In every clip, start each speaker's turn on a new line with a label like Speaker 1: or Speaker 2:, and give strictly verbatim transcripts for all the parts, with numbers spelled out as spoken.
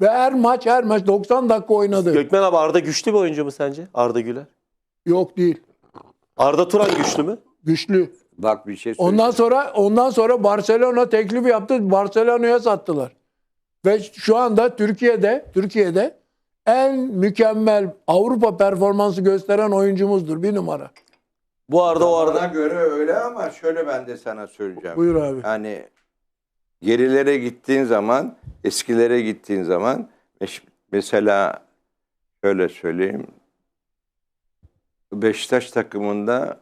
Speaker 1: Ve her maç her maç doksan dakika oynadı.
Speaker 2: Gökmen abi Arda güçlü bir oyuncu mu sence? Arda Güler.
Speaker 1: Yok değil.
Speaker 2: Arda Turan güçlü mü?
Speaker 1: Güçlü.
Speaker 3: Bak bir şey söyleyeyim.
Speaker 1: Ondan sonra ondan sonra Barcelona teklif yaptı. Barcelona'ya sattılar. Ve şu anda Türkiye'de Türkiye'de en mükemmel Avrupa performansı gösteren oyuncumuzdur. Bir numara.
Speaker 2: Bu Arda o
Speaker 3: Bana
Speaker 2: Arda.
Speaker 3: göre öyle ama şöyle ben de sana söyleyeceğim.
Speaker 1: Buyur abi.
Speaker 3: Yani gerilere gittiğin zaman, eskilere gittiğin zaman mesela şöyle söyleyeyim. Beşiktaş takımında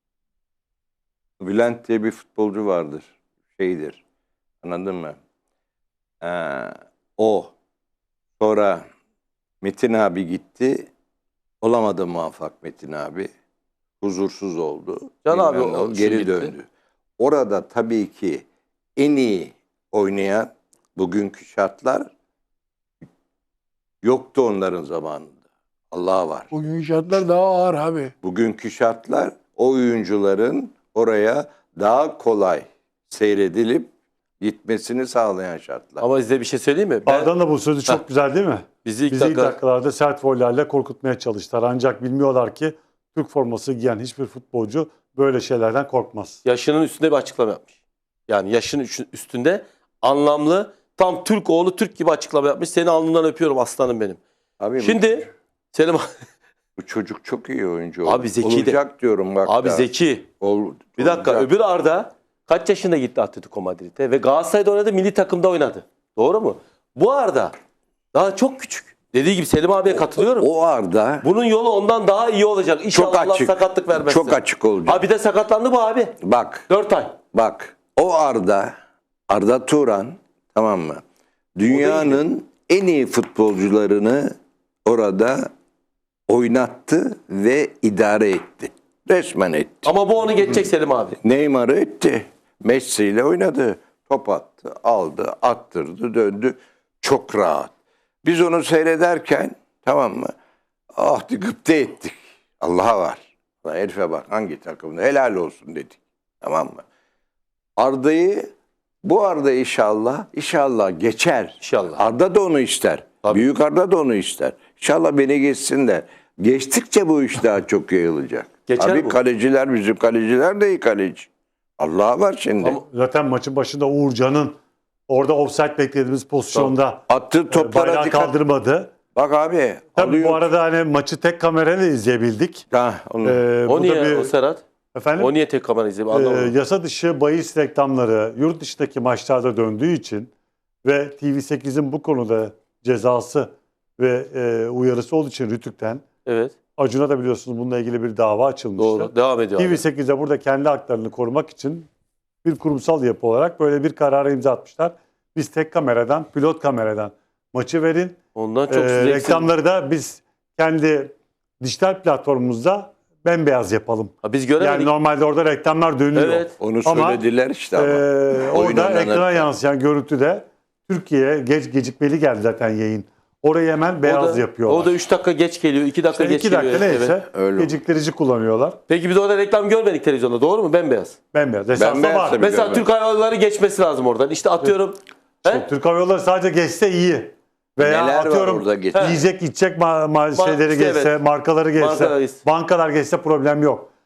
Speaker 3: Bülent diye bir futbolcu vardır. Şeydir. Anladın mı? Ee, o. Sonra Metin abi gitti. Olamadı muvaffak Metin abi. Huzursuz oldu.
Speaker 2: Can abi
Speaker 3: Bilmem ne
Speaker 2: o
Speaker 3: oldu,
Speaker 2: şey
Speaker 3: geri
Speaker 2: gitti.
Speaker 3: döndü. Orada tabii ki en iyi oynayan bugünkü şartlar yoktu onların zamanında. Allah var.
Speaker 1: Bugün şartlar daha ağır abi.
Speaker 3: Bugünkü şartlar o oyuncuların oraya daha kolay seyredilip gitmesini sağlayan şartlar.
Speaker 2: Ama size bir şey söyleyeyim mi? Ben,
Speaker 4: Arda'nın da bu sözü çok
Speaker 2: Heh.
Speaker 4: güzel değil mi?
Speaker 2: bizi ilk
Speaker 4: Bizi ilk
Speaker 2: dakika...
Speaker 4: dakikalarda sert vollerle korkutmaya çalıştılar. Ancak bilmiyorlar ki Türk forması giyen hiçbir futbolcu böyle şeylerden korkmaz.
Speaker 2: yaşının üstünde bir açıklama yapmış. Yani yaşının üstünde anlamlı, tam Türk oğlu Türk gibi açıklama yapmış. Seni alnından öpüyorum aslanım benim.
Speaker 3: Abi
Speaker 2: Şimdi Selim
Speaker 3: bu, bu çocuk çok iyi oyuncu.
Speaker 2: Abi zeki de.
Speaker 3: Olacak diyorum bak.
Speaker 2: abi
Speaker 3: da.
Speaker 2: zeki.
Speaker 3: Ol-
Speaker 2: Bir dakika,
Speaker 3: olacak.
Speaker 2: öbür Arda kaç yaşında gitti Atletico Madrid'e ve Galatasaray'da oynadı, milli takımda oynadı. Doğru mu? Bu Arda daha çok küçük. Dediği gibi Selim abiye katılıyorum.
Speaker 3: O Arda
Speaker 2: Bunun yolu ondan daha iyi olacak. İnşallah
Speaker 3: çok
Speaker 2: Allah
Speaker 3: açık.
Speaker 2: sakatlık vermesin.
Speaker 3: Çok açık olacak.
Speaker 2: Abi de sakatlandı bu abi.
Speaker 3: Bak.
Speaker 2: dört ay.
Speaker 3: Bak. O Arda Arda Turan, tamam mı? Dünyanın en iyi futbolcularını orada oynattı ve idare etti. Resmen etti.
Speaker 2: Ama bu onu geçecek Selim abi.
Speaker 3: Neymar'ı etti. Messi ile oynadı. Top attı, aldı, attırdı, döndü. Çok rahat. Biz onu seyrederken, tamam mı? Ah gıpta ettik. Allah'a var. Lan herife bak, hangi takımda helal olsun dedik. Tamam mı? Arda'yı, bu Arda inşallah, inşallah geçer.
Speaker 2: İnşallah.
Speaker 3: Arda da onu ister.
Speaker 2: Tabii.
Speaker 3: Büyük Arda da onu ister. İnşallah beni geçsin de. Geçtikçe bu iş daha çok yayılacak.
Speaker 2: Geçer
Speaker 3: Abi
Speaker 2: bu.
Speaker 3: kaleciler, bizim kaleciler de iyi kaleci. Allah'a var şimdi.
Speaker 2: Ama-
Speaker 4: Zaten maçın başında Uğurcan'ın orada offside beklediğimiz pozisyonda
Speaker 3: Attığı
Speaker 4: e,
Speaker 3: toplara
Speaker 4: bayrağı
Speaker 3: dikkat.
Speaker 4: kaldırmadı.
Speaker 3: Bak abi.
Speaker 4: Tabii
Speaker 3: alıyor.
Speaker 4: bu arada hani maçı tek kamerayla izleyebildik.
Speaker 3: Ha, onu.
Speaker 4: Ee,
Speaker 2: O
Speaker 4: bu
Speaker 2: niye
Speaker 4: da bir,
Speaker 2: o Serhat?
Speaker 4: efendim,
Speaker 2: O niye tek kamera izleyeyim
Speaker 4: e,
Speaker 2: anlamadım.
Speaker 4: yasa dışı bahis reklamları yurt dışındaki maçlarda döndüğü için ve T V sekizin bu konuda cezası ve e, uyarısı olduğu için Rütük'ten
Speaker 2: Evet.
Speaker 4: Acun'a da biliyorsunuz bununla ilgili bir dava açılmıştı.
Speaker 2: Doğru. Devam ediyor.
Speaker 4: T V
Speaker 2: abi.
Speaker 4: sekiz'e burada kendi haklarını korumak için bir kurumsal yapı olarak böyle bir karara imza atmışlar. Biz tek kameradan, pilot kameradan maçı verin.
Speaker 2: Ondan çok
Speaker 4: Ee,
Speaker 2: zevksiz.
Speaker 4: reklamları da biz kendi dijital platformumuzda bembeyaz yapalım.
Speaker 2: Ha, biz göremedik.
Speaker 4: Yani normalde orada reklamlar dönüyor.
Speaker 2: Evet.
Speaker 3: Onu
Speaker 4: Ama,
Speaker 3: söylediler işte ama.
Speaker 4: Ee, orada
Speaker 3: Oynananı-
Speaker 4: ekrana yansıyan görüntüde Türkiye'ye geç gecikmeli geldi zaten yayın. Orayı hemen beyaz
Speaker 2: o da,
Speaker 4: yapıyorlar.
Speaker 2: O da üç dakika geç geliyor. iki dakika
Speaker 4: İşte
Speaker 2: geç
Speaker 4: iki dakika
Speaker 2: geliyor.
Speaker 4: neyse
Speaker 2: Evet.
Speaker 3: Öyle.
Speaker 4: geciktirici kullanıyorlar.
Speaker 2: Peki biz orada reklam görmedik televizyonda. Doğru mu? Bembeyaz.
Speaker 4: Bembeyaz. Esasında
Speaker 3: Bembeyaz
Speaker 4: var.
Speaker 3: tabii.
Speaker 2: Mesela
Speaker 3: görmedim.
Speaker 2: Türk Hava Yolları geçmesi lazım oradan. İşte atıyorum. He?
Speaker 4: Türk Hava Yolları sadece geçse iyi. Veya
Speaker 3: Neler var
Speaker 4: atıyorum
Speaker 3: orada geç-
Speaker 4: yiyecek içecek ma- ma-
Speaker 2: Ma-
Speaker 4: şeyleri
Speaker 2: işte
Speaker 4: geçse,
Speaker 2: evet.
Speaker 4: markaları geçse,
Speaker 2: Markalar geçse.
Speaker 4: bankalar geçse problem yok.